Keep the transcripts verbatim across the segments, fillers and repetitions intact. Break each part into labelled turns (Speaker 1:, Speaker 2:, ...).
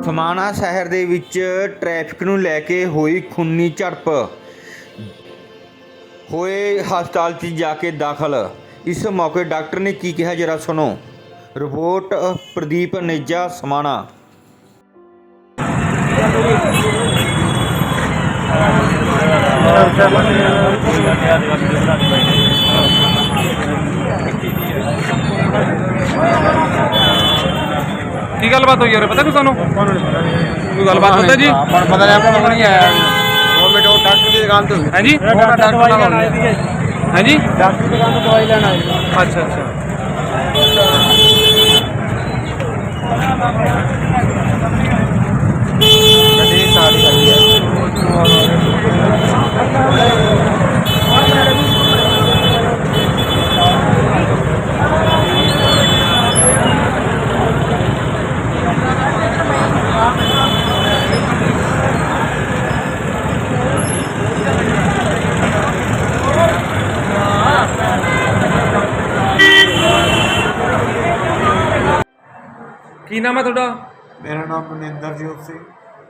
Speaker 1: ਖਮਾਣਾ ਸ਼ਹਿਰ ਦੇ ਵਿੱਚ ਟ੍ਰੈਫਿਕ ਨੂੰ ਲੈ ਕੇ ਹੋਈ ਖੂਨੀ ਝੜਪ, ਹੋਏ ਹਸਪਤਾਲ 'ਚ ਜਾ ਕੇ ਦਾਖਲ। ਇਸ ਮੌਕੇ ਡਾਕਟਰ ਨੇ ਕੀ ਕਿਹਾ ਜਰਾ ਸੁਣੋ। ਰਿਪੋਰਟ ਪ੍ਰਦੀਪ ਨੇਜਾ, ਸਮਾਣਾ।
Speaker 2: ਕੀ ਗੱਲਬਾਤ ਹੋਈ ਯਾਰ, ਪਤਾ ਕੁ ਸਾਨੂੰ? ਕੋਈ ਗੱਲਬਾਤ ਪਤਾ ਜੀ?
Speaker 3: ਪਤਾ ਨਹੀਂ, ਆਪਾਂ ਨੂੰ ਨਹੀਂ ਆਇਆ। ਦੋ ਮਿੰਟ ਉਹ ਡਾਕਟਰ ਦੀ ਦੁਕਾਨ ਤੋਂ।
Speaker 2: ਹਾਂਜੀ
Speaker 3: ਡਾਕਟਰ ਦਵਾਈ ਲੈਣ ਆਏ ਸੀਗੇ।
Speaker 2: ਹਾਂਜੀ,
Speaker 3: ਡਾਕਟਰ ਦੀ ਦੁਕਾਨ ਤੋਂ ਦਵਾਈ ਲੈਣ ਆਏ।
Speaker 2: ਅੱਛਾ ਅੱਛਾ।
Speaker 3: ਗੱਡੀ ਸਾਡੀ ਗੱਡੀ ਹੈ।
Speaker 2: ਕੀ ਨਾਮ ਹੈ ਤੁਹਾਡਾ?
Speaker 3: ਮੇਰਾ ਨਾਮ ਮਨਿੰਦਰਜੋਤ ਸਿੰਘ,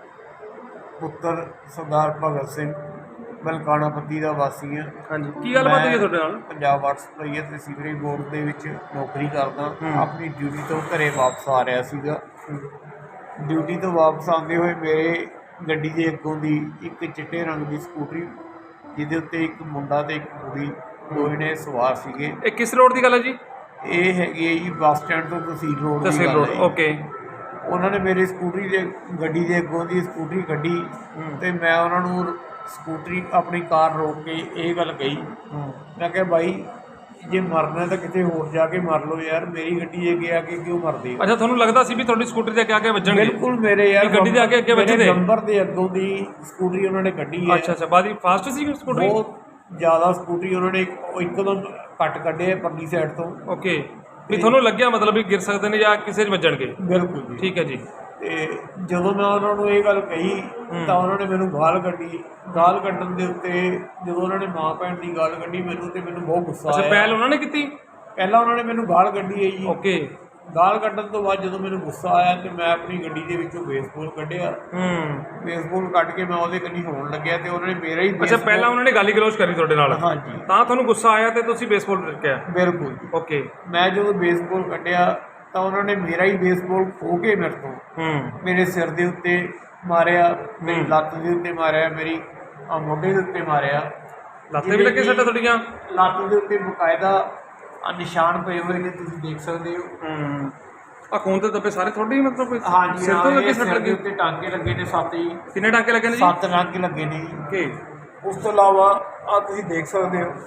Speaker 3: ਪੁੱਤਰ ਸਰਦਾਰ ਭਗਤ ਸਿੰਘ, ਮਲਕਾਣਾ ਪੱਤੀ ਦਾ ਵਾਸੀ ਹਾਂ।
Speaker 2: ਹਾਂਜੀ, ਕੀ ਗੱਲਬਾਤ ਹੋਈ ਹੈ ਤੁਹਾਡੇ ਨਾਲ?
Speaker 3: ਪੰਜਾਬ ਵਾਟਰ ਸਪਲਾਈ ਅਤੇ ਸੀਵਰੇਜ ਬੋਰਡ ਦੇ ਵਿੱਚ ਨੌਕਰੀ ਕਰਦਾ। ਆਪਣੀ ਡਿਊਟੀ ਤੋਂ ਘਰੇ ਵਾਪਸ ਆ ਰਿਹਾ ਸੀਗਾ। ਡਿਊਟੀ ਤੋਂ ਵਾਪਸ ਆਉਂਦੇ ਹੋਏ ਮੇਰੇ ਗੱਡੀ ਦੇ ਅੱਗੋਂ ਦੀ ਇੱਕ ਚਿੱਟੇ ਰੰਗ ਦੀ ਸਕੂਟਰੀ, ਜਿਹਦੇ ਉੱਤੇ ਇੱਕ ਮੁੰਡਾ ਤੇ ਇੱਕ ਕੁੜੀ ਦੋਵੇਂ ਨੇ ਸਵਾਰ ਸੀਗੇ।
Speaker 2: ਇਹ ਕਿਸ ਰੋਡ ਦੀ ਗੱਲ ਹੈ ਜੀ?
Speaker 3: ਇਹ ਹੈਗੀ ਹੈ ਜੀ ਬੱਸ ਸਟੈਂਡ ਤੋਂ ਤਹਿਸੀਲ ਰੋਡ ਦੀ
Speaker 2: ਤਹਿਸੀਲ
Speaker 3: ਗੱਲ
Speaker 2: ਰੋਡ,
Speaker 3: ਹੈ ਜੀ।
Speaker 2: ਓਕੇ।
Speaker 3: ਉਹਨਾਂ ਨੇ ਮੇਰੀ ਸਕੂਟਰੀ ਦੇ ਗੱਡੀ ਦੇ ਅੱਗੋਂ ਦੀ ਸਕੂਟਰੀ ਕੱਢੀ ਅਤੇ ਮੈਂ ਉਹਨਾਂ ਨੂੰ ਸਕੂਟਰੀ ਆਪਣੀ ਕਾਰ ਰੋਕ ਕੇ ਇਹ ਗੱਲ ਕਹੀ, ਮੈਂ ਕਿਹਾ ਬਾਈ ਜੇ ਮਰਨਾ ਤਾਂ ਕਿਤੇ ਹੋਰ ਜਾ ਕੇ ਮਰ ਲਓ ਯਾਰ, ਮੇਰੀ ਗੱਡੀ ਦੇ ਅੱਗੇ ਆ ਕੇ ਕਿਉਂ ਮਰਦੇ ਹੋ?
Speaker 2: ਅੱਛਾ, ਤੁਹਾਨੂੰ ਲੱਗਦਾ ਸੀ ਵੀ ਤੁਹਾਡੀ ਸਕੂਟਰੀ ਦੇ ਅੱਗੇ ਆ ਕੇ ਵੱਜਣਗੇ?
Speaker 3: ਬਿਲਕੁਲ, ਮੇਰੇ ਯਾਰ
Speaker 2: ਗੱਡੀ ਦੇ ਅੱਗੇ ਅੱਗੇ ਵੱਜਦੇ
Speaker 3: ਨੰਬਰ ਦੇ ਅੱਗੋਂ ਦੀ ਸਕੂਟਰੀ ਉਹਨਾਂ ਨੇ ਕੱਢੀ ਹੈ।
Speaker 2: ਅੱਛਾ ਅੱਛਾ, ਬਾਦੀ ਫਾਸਟ ਸੀ ਸਕੂਟਰੀ?
Speaker 3: ਬਹੁਤ ਜ਼ਿਆਦਾ ਸਕੂਟਰੀ ਉਹਨਾਂ ਨੇ ਇੱਕਦਮ ਕੱਟ ਕੱਢੇ ਪਰਲੀ ਸਾਈਡ ਤੋਂ।
Speaker 2: ਓਕੇ, ਵੀ ਤੁਹਾਨੂੰ ਲੱਗਿਆ ਮਤਲਬ ਵੀ ਗਿਰ ਸਕਦੇ ਨੇ ਜਾਂ ਕਿਸੇ 'ਚ ਵੱਜਣਗੇ?
Speaker 3: ਬਿਲਕੁਲ ਜੀ,
Speaker 2: ਠੀਕ ਹੈ ਜੀ।
Speaker 3: ਤੇ ਜਦੋਂ ਮੈਂ ਉਹਨਾਂ ਨੂੰ ਇਹ ਗੱਲ ਕਹੀ ਤਾਂ ਉਹਨਾਂ ਨੇ ਮੈਨੂੰ ਗਾਲ ਕੱਢੀ। ਗਾਲ ਕੱਢਣ ਦੇ ਉੱਤੇ ਜਦੋਂ ਉਹਨਾਂ ਨੇ ਮਾਂ ਭੈਣ ਦੀ ਗਾਲ ਕੱਢੀ ਮੈਨੂੰ, ਤੇ ਮੈਨੂੰ ਬਹੁਤ ਗੁੱਸਾ ਆਇਆ।
Speaker 2: ਅੱਛਾ, ਪਹਿਲ ਉਹਨਾਂ ਨੇ ਕੀਤੀ?
Speaker 3: ਪਹਿਲਾਂ ਉਹਨਾਂ ਨੇ ਮੈਨੂੰ ਗਾਲ ਕੱਢੀ ਹੈ ਜੀ।
Speaker 2: ਓਕੇ।
Speaker 3: ਗਾਲ ਕੱਢਣ ਤੋਂ ਬਾਅਦ ਜਦੋਂ ਮੈਨੂੰ ਗੁੱਸਾ ਆਇਆ ਤੇ ਮੈਂ ਆਪਣੀ ਗੱਡੀ ਦੇ ਵਿੱਚੋਂ ਬੇਸਬਾਲ ਕੱਢਿਆ।
Speaker 2: ਹੂੰ,
Speaker 3: ਬੇਸਬਾਲ ਕੱਢ ਕੇ ਮੈਂ ਉਹਦੇ ਕੰਨੀ ਹੋਣ ਲੱਗਿਆ ਤੇ ਉਹਨਾਂ ਨੇ ਮੇਰਾ ਹੀ
Speaker 2: ਅੱਛਾ, ਪਹਿਲਾਂ ਉਹਨਾਂ ਨੇ ਗਾਲੀ ਗਲੋਚ ਕਰੀ ਤੁਹਾਡੇ ਨਾਲ?
Speaker 3: ਹਾਂਜੀ।
Speaker 2: ਤਾਂ ਤੁਹਾਨੂੰ ਗੁੱਸਾ ਆਇਆ ਤੇ ਤੁਸੀਂ ਬੇਸਬਾਲ ਰੱਖਿਆ?
Speaker 3: ਬਿਲਕੁਲ।
Speaker 2: ਓਕੇ।
Speaker 3: ਮੈਂ ਜਦੋਂ ਬੇਸਬਾਲ ਕੱਢਿਆ ਤਾਂ ਉਹਨਾਂ ਨੇ ਮੇਰਾ ਹੀ ਬੇਸਬਾਲ ਖੋਹ ਕੇ ਮੇਰੇ ਤੋਂ
Speaker 2: ਹੂੰ, ਮੇਰੇ
Speaker 3: ਮੇਰੇ ਸਿਰ ਦੇ ਉੱਤੇ ਮਾਰਿਆ, ਮੇਰੀ ਲੱਤ ਦੇ ਉੱਤੇ ਮਾਰਿਆ, ਮੇਰੀ ਆਹ ਮੋਢੇ ਦੇ ਉੱਤੇ ਮਾਰਿਆ।
Speaker 2: ਲੱਤ ਤੇ ਵੀ ਲੱਗੇ ਸੱਟਾਂ ਤੁਹਾਡੀਆਂ?
Speaker 3: ਲੱਤ ਦੇ ਉੱਤੇ ਬਕਾਇਦਾ ਆਹ ਨਿਸ਼ਾਨ ਪਏ ਹੋਏ ਨੇ, ਤੁਸੀਂ ਦੇਖ ਸਕਦੇ ਹੋ।
Speaker 2: ਹੂੰ, ਆ ਖੂਨ ਤੇ ਦੱਬੇ ਸਾਰੇ ਤੁਹਾਡੇ ਹੀ ਮਤਲਬ?
Speaker 3: ਹਾਂਜੀ,
Speaker 2: ਸਿਰ ਤੋਂ ਲੱਗੇ ਸੱਟ
Speaker 3: ਸਿਰ ਦੇ
Speaker 2: ਲੱਗੀ?
Speaker 3: ਉੱਤੇ ਟਾਂਕੇ ਲੱਗੇ ਨੇ ਸੱਤ ਜੀ।
Speaker 2: ਕਿੰਨੇ ਟਾਂਕੇ ਲੱਗੇ ਨੇ ਜੀ?
Speaker 3: ਸੱਤ ਟਾਂਕੇ ਲੱਗੇ ਨੇ ਜੀ।
Speaker 2: ਓਕੇ।
Speaker 3: ਉਸ ਤੋਂ ਇਲਾਵਾ ਆ ਤੁਸੀਂ ਦੇਖ ਸਕਦੇ ਹੋ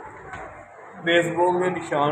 Speaker 3: ਬੇਸਬਾਲ ਦੇ ਨਿਸ਼ਾਨ।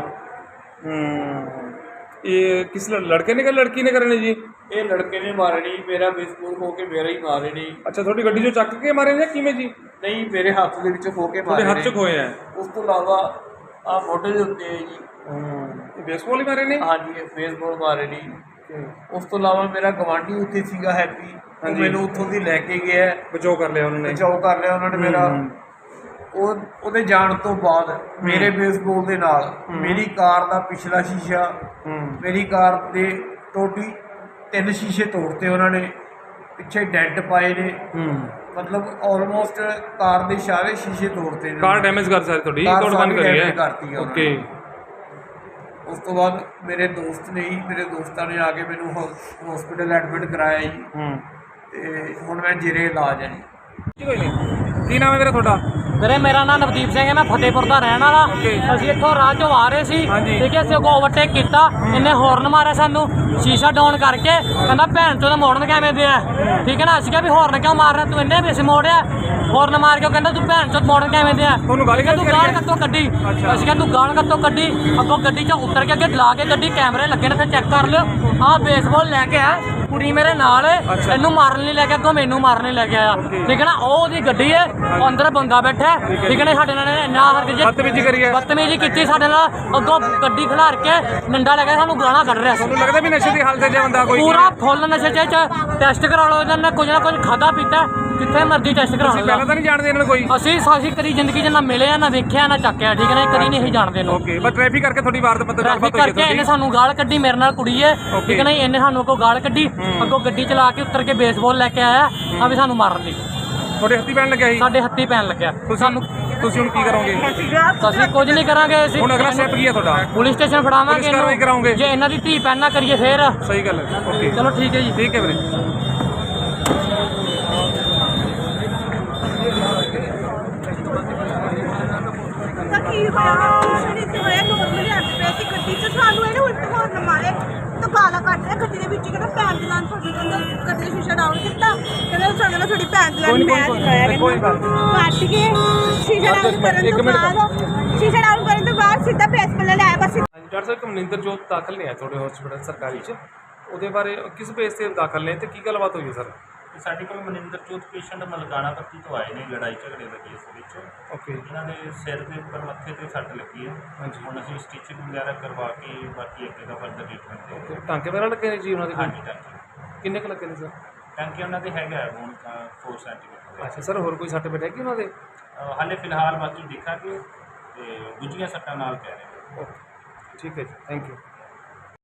Speaker 2: ਹੂੰ, ਇਹ ਕਿਸ ਲੜਕੇ ਨੇ ਕਿ ਲੜਕੀ ਨੇ ਕਰਨੇ ਜੀ?
Speaker 3: ਇਹ ਲੜਕੇ ਨੇ ਮਾਰੇ ਨਹੀਂ, ਮੇਰਾ ਬੇਸਬਾਲ ਖੋ ਕੇ ਮੇਰਾ ਹੀ ਮਾਰੇ ਨੇ।
Speaker 2: ਅੱਛਾ, ਤੁਹਾਡੀ ਗੱਡੀ 'ਚੋਂ ਚੱਕ ਕੇ ਮਾਰੇ ਨੇ ਕਿਵੇਂ ਜੀ?
Speaker 3: ਨਹੀਂ, ਮੇਰੇ ਹੱਥ ਦੇ ਵਿੱਚੋਂ ਖੋ ਕੇ ਮਾਰੇ
Speaker 2: ਤੁਹਾਡੇ
Speaker 3: ਨੇ।
Speaker 2: ਹੱਥ 'ਚ ਖੋਏ ਆ?
Speaker 3: ਉਸ ਤੋਂ ਇਲਾਵਾ ਆ ਮੋਢੇ ਦੇ ਉੱਤੇ ਹੈ ਜੀ।
Speaker 2: ਹੂੰ, ਬੇਸਬਾਲ ਹੀ ਮਾਰੇ ਨੇ?
Speaker 3: ਹਾਂਜੀ, ਇਹ ਬੇਸਬਾਲ ਮਾਰੇ ਨੇ। ਉਸ ਤੋਂ ਇਲਾਵਾ ਮੇਰਾ ਗਵਾਂਢੀ ਉੱਥੇ ਸੀਗਾ ਹੈਪੀ, ਉਹ ਮੈਨੂੰ ਉੱਥੋਂ ਦੀ ਲੈ ਕੇ ਗਿਆ,
Speaker 2: ਬਚਾਓ ਕਰ ਲਿਆ ਉਹਨਾਂ ਨੇ?
Speaker 3: ਬਚਾਓ ਕਰ ਲਿਆ ਉਹਨਾਂ ਨੇ ਮੇਰਾ। ਉਹ ਉਹਦੇ ਜਾਣ ਤੋਂ ਬਾਅਦ ਮੇਰੇ ਬੇਸਬਾਲ ਦੇ ਨਾਲ ਮੇਰੀ ਕਾਰ ਦਾ ਪਿਛਲਾ ਸ਼ੀਸ਼ਾ, ਮੇਰੀ ਕਾਰ ਦੇ ਟੋਟਲੀ ਤਿੰਨ ਸ਼ੀਸ਼ੇ ਤੋੜਤੇ ਉਹਨਾਂ ਨੇ, ਪਿੱਛੇ ਡੈਂਟ ਪਾਏ ਨੇ। ਮਤਲਬ ਆਲਮੋਸਟ ਕਾਰ ਦੇ ਸਾਰੇ ਸ਼ੀਸ਼ੇ ਤੋੜਤੇ ਨੇ।
Speaker 2: ਕਾਰ ਡੈਮੇਜ ਕਰ ਸਾਰੀ ਤੁਹਾਡੀ?
Speaker 3: ਕਾਰ
Speaker 2: ਤੋੜ ਬੰਦ ਕਰੀ ਹੈ?
Speaker 3: ਕਰਤੀ।
Speaker 2: ਓਕੇ।
Speaker 3: ਉਸ ਤੋਂ ਬਾਅਦ ਮੇਰੇ ਦੋਸਤ ਨੇ ਹੀ ਮੇਰੇ ਦੋਸਤਾਂ ਨੇ ਆ ਕੇ ਮੈਨੂੰ ਹਸਪੀਟਲ ਐਡਮਿਟ ਕਰਾਇਆ ਜੀ।
Speaker 2: ਹੂੰ,
Speaker 3: ਤੇ ਹੁਣ ਮੈਂ ਜੇਰੇ ਇਲਾਜ ਹੈ ਜੀ।
Speaker 2: ਕੋਈ ਨਹੀਂ। ਕੀ ਨਾਮ ਹੈ ਵੀਰੇ ਤੁਹਾਡਾ?
Speaker 4: ਵੀਰੇ ਮੇਰਾ ਨਾਮ ਨਵਦੀਪ ਸਿੰਘ ਹੈ, ਮੈਂ ਫਤਿਹਪੁਰ ਦਾ ਰਹਿਣ ਵਾਲਾ। ਅਸੀਂ ਇੱਥੋਂ ਰਾਹ ਚੋਂ ਆ ਰਹੇ ਸੀ, ਠੀਕ ਹੈ। ਅਸੀਂ ਅੱਗੋਂ ਓਵਰਟੇਕ ਕੀਤਾ, ਇਹਨੇ ਹੌਰਨ ਮਾਰਿਆ ਸਾਨੂੰ, ਸ਼ੀਸ਼ਾ ਡਾਊਨ ਕਰਕੇ ਕਹਿੰਦਾ ਭੈਣ ਚੋਂ ਤਾਂ ਮੋੜਨ ਕਿਵੇਂ ਦੇ ਆ, ਠੀਕ ਹੈ ਨਾ। ਅਸੀਂ ਕਿਹਾ ਵੀ ਹੌਰਨ ਕਿਉਂ ਮਾਰ ਰਿਹਾ ਤੂੰ, ਇਹਨੇ ਵੀ ਅਸੀਂ ਮੋੜਿਆ। ਹੌਰਨ ਮਾਰ ਕੇ ਕਹਿੰਦਾ ਤੂੰ ਭੈਣ ਚੋਂ ਮੋੜਨ ਕਿਵੇਂ ਦੇ ਆ,
Speaker 2: ਤੁਹਾਨੂੰ ਗਾਲੀ
Speaker 4: ਤੂੰ ਗਾਲ ਕੱਤੋਂ ਕੱਢੀ। ਅਸੀਂ ਕਿਹਾ ਤੂੰ ਗਾਲ ਕੱਤੋਂ ਕੱਢੀ। ਅੱਗੋਂ ਗੱਡੀ 'ਚੋਂ ਉਤਰ ਕੇ ਅੱਗੇ ਲਾ ਕੇ ਗੱਡੀ ਕੈਮਰੇ ਲੱਗੇ ਨੇ, ਤੇ ਚੈੱਕ ਕਰ ਲਿਓ। ਆਹ ਬੇਸਬਾਲ ਲੈ ਕੇ ਆ, ਕੁੜੀ ਮੇਰੇ ਨਾਲ, ਇਹਨੂੰ ਮਾਰਨ ਲਈ ਲੈ ਕੇ ਅੱਗੋਂ ਮੈਨੂੰ ਮਾਰਨ ਲਈ ਲੈ ਕੇ ਆਇਆ, ਠੀਕ ਹੈ ਨਾ। ਉਹ ਉਹਦੀ ਗੱਡੀ ਹੈ, ਅੰਦਰ ਬੰਦਾ ਬੈਠਾ, ਠੀਕ ਹੈ ਨਾ। ਸਾਡੇ ਨਾਲ ਇੰਨਾ
Speaker 2: ਬਦਤਮੀਜ਼ੀ ਕਰੀ ਹੈ?
Speaker 4: ਬਦਤਮੀਜ਼ੀ ਕੀਤੀ ਸਾਡੇ ਨਾਲ। ਅੱਗੋਂ ਗੱਡੀ ਖਿਲਾਰ ਕੇ ਡੰਡਾ ਲੈ ਕੇ ਸਾਨੂੰ ਗਾਲਾਂ ਕੱਢ ਰਿਹਾ ਸੀ।
Speaker 2: ਤੁਹਾਨੂੰ ਲੱਗਦਾ ਵੀ ਨਸ਼ੇ ਦੀ ਹਾਲਤ 'ਚ ਬੰਦਾ ਕੋਈ?
Speaker 4: ਪੂਰਾ ਫੁੱਲ ਨਸ਼ੇ 'ਚ। ਟੈਸਟ ਕਰਾ ਲਓ, ਇਹਨਾਂ ਨੇ ਕੁਝ ਨਾ ਕੁਝ ਖਾਧਾ ਪੀਤਾ। ਕਿੱਥੇ ਮਰਜ਼ੀ ਟੈਸਟ ਕਰਾ
Speaker 2: ਤੁਸੀਂ ਪਹਿਲਾਂ
Speaker 4: ਲਓ।
Speaker 2: ਤਾਂ ਨਹੀਂ ਜਾਣਦੇ ਇਹਨਾਂ ਨੂੰ ਕੋਈ?
Speaker 4: ਅਸੀਂ ਸਾਡੀ ਕਦੀ ਜ਼ਿੰਦਗੀ 'ਚ ਨਾ ਮਿਲੇ ਆ ਨਾ ਵੇਖਿਆ ਨਾ ਚੱਕਿਆ, ਠੀਕ ਹੈ ਨਾ, ਕਦੀ ਨਹੀਂ ਅਸੀਂ ਜਾਣਦੇ ਇਹਨੂੰ।
Speaker 2: ਓਕੇ, ਬਸ ਟ੍ਰੈਫਿਕ ਕਰਕੇ ਤੁਹਾਡੀ ਵਾਰਦਾਤ ਮਤਲਬ
Speaker 4: ਟ੍ਰੈਫਿਕ
Speaker 2: ਗੱਲਬਾਤ ਹੋਈ
Speaker 4: ਕਰਕੇ
Speaker 2: ਹੈ
Speaker 4: ਇਹਨੇ
Speaker 2: ਤੁਹਾਡੀ?
Speaker 4: ਸਾਨੂੰ ਗਾਲ ਕੱਢੀ, ਮੇਰੇ ਨਾਲ ਕੁੜੀ ਹੈ, ਠੀਕ ਹੈ ਨਾ, ਇਹਨੇ ਸਾਨੂੰ ਅੱਗੋਂ ਗਾਲ ਕੱਢੀ, ਅੱਗੋਂ ਗੱਡੀ ਚਲਾ ਕੇ ਉੱਤਰ ਕੇ ਬੇਸਬਾਲ ਲੈ ਕੇ ਆਇਆ ਆ ਵੀ ਸਾਨੂੰ ਮਾਰਨ ਲਈ,
Speaker 2: ਤੁਹਾਡੇ ਹੱਥੀ ਪੈਣ ਲੱਗਿਆ ਸੀ?
Speaker 4: ਸਾਡੇ ਹੱਥੀ ਪੈਣ ਲੱਗਿਆ। ਸਾਨੂੰ
Speaker 2: ਤੁਸੀਂ ਹੁਣ ਕੀ ਕਰੋਗੇ?
Speaker 4: ਅਸੀਂ ਕੁਝ ਨਹੀਂ ਕਰਾਂਗੇ, ਅਸੀਂ
Speaker 2: ਹੁਣ ਅਗਲਾ ਸਟੈਪ ਕੀ ਹੈ ਤੁਹਾਡਾ?
Speaker 4: ਪੁਲਿਸ ਸਟੇਸ਼ਨ ਫੜਾਵਾਂਗੇ
Speaker 2: ਪੁਲਿਸ ਕਾਰਵਾਈ ਕਰਾਓਗੇ?
Speaker 4: ਇਹਨੂੰ, ਜੇ ਇਹਨਾਂ ਦੀ ਧੀ ਪੈਣ ਨਾ ਕਰੀਏ ਫੇਰ।
Speaker 2: ਸਹੀ ਗੱਲ ਹੈ। ਓਕੇ,
Speaker 4: ਚਲੋ ਠੀਕ ਹੈ ਜੀ।
Speaker 2: ਠੀਕ ਹੈ ਵੀਰੇ।
Speaker 5: ਤਾਂ ਕੀ ਹੋਇਆ ਸ਼ਰੀਰ ਤੇ ਹੋਇਆ ਨੋਰਮਲੀ ਆਂਦੇ ਪਏ ਸੀ ਗੱਡੀ 'ਚ, ਸਾਨੂੰ ਇਹਨੇ ਉਲਟ ਹੋਰਨ ਮਾਰੇ ਤਾਂ ਗਾਲਾਂ ਕੱਢ ਰਿਹਾ ਗੱਡੀ ਦੇ ਵਿੱਚ, ਕਹਿੰਦਾ ਭੈਣ ਦੀ ਲਾਂ ਤੁਹਾਡੀ, ਕਹਿੰਦਾ ਗੱਡੀ ਦਾ ਸ਼ੀਸ਼ਾ ਡਾਊਨ ਕੀਤਾ, ਕਹਿੰਦਾ ਸਾਡੇ ਨਾਲ ਤੁਹਾਡੀ ਭੈਣ ਦੀ ਲਾਂ ਮੈਂ ਚਲਾਇਆ,
Speaker 2: ਕੋਈ ਗੱਲ
Speaker 5: ਕੱਟ ਕੇ ਸ਼ੀਸ਼ਾ ਡਾਊਨ ਕਰਨ ਤੋਂ ਬਾਅਦ ਸ਼ੀਸ਼ਾ ਡਾਊਨ ਕਰਨ ਤੋਂ ਬਾਅਦ ਸਿੱਧਾ ਪ੍ਰੈਸ ਪੱਲੇ ਲਾਇਆ ਬਸ।
Speaker 2: ਡਾਕਟਰ ਸਾਹਿਬ ਮਨਿੰਦਰ ਜੋਤ ਦਾਖਲ ਨੇ ਆ ਤੁਹਾਡੇ ਹਸਪੀਟਲ ਸਰਕਾਰੀ 'ਚ, ਉਹਦੇ ਬਾਰੇ ਕਿਸ ਬੇਸ ਤੇ ਦਾਖਲ ਨੇ ਤੇ ਕੀ ਗੱਲਬਾਤ ਹੋਈ ਹੈ ਸਰ?
Speaker 6: ਸਾਡੇ ਕੋਲ ਮਨਿੰਦਰ ਚੌਥ ਪੇਸ਼ੈਂਟ ਮਲਕਾਣਾ ਪੱਤੀ ਤੋਂ ਆਏ ਨੇ ਲੜਾਈ ਝਗੜੇ ਦੇ ਕੇਸ ਵਿੱਚ।
Speaker 2: ਓਕੇ,
Speaker 6: ਇਹਨਾਂ ਦੇ ਸਿਰ ਦੇ ਉੱਪਰ ਮੱਥੇ ਤੇ ਸੱਟ ਲੱਗੀ ਹੈ।
Speaker 2: ਹਾਂਜੀ।
Speaker 6: ਹੁਣ ਅਸੀਂ ਸਟਿਚਿੰਗ ਵਗੈਰਾ ਕਰਵਾ ਕੇ ਬਾਕੀ ਅੱਗੇ ਦਾ ਫਰਦਰ ਟ੍ਰੀਟਮੈਂਟ ਦੇ
Speaker 2: ਓਕੇ, ਟਾਂਕੇ ਵਗੈਰਾ ਲੱਗੇ ਨੇ ਜੀ ਉਹਨਾਂ ਦੇ?
Speaker 6: ਹਾਂਜੀ ਟਾਂਕੇ
Speaker 2: ਕਿੰਨੇ ਕੁ ਲੱਗੇ ਨੇ ਸਰ?
Speaker 6: ਟਾਂਕੇ ਉਹਨਾਂ ਦੇ ਹੈਗਾ ਹੁਣ ਚਾਰ ਸੈਂਟੀਮੀਟਰ।
Speaker 2: ਅੱਛਾ ਸਰ, ਹੋਰ ਕੋਈ ਸੱਟ ਪੇਟ ਹੈਗੀ ਉਹਨਾਂ ਦੇ?
Speaker 6: ਹਾਲੇ ਫਿਲਹਾਲ ਬਾਕੀ ਦੇਖਾਂਗੇ ਤੇ ਦੂਜੀਆਂ ਸੱਟਾਂ ਨਾਲ ਕਹਿ ਰਹੇ ਨੇ।
Speaker 2: ਓਕੇ, ਠੀਕ ਹੈ ਜੀ, ਥੈਂਕ ਯੂ।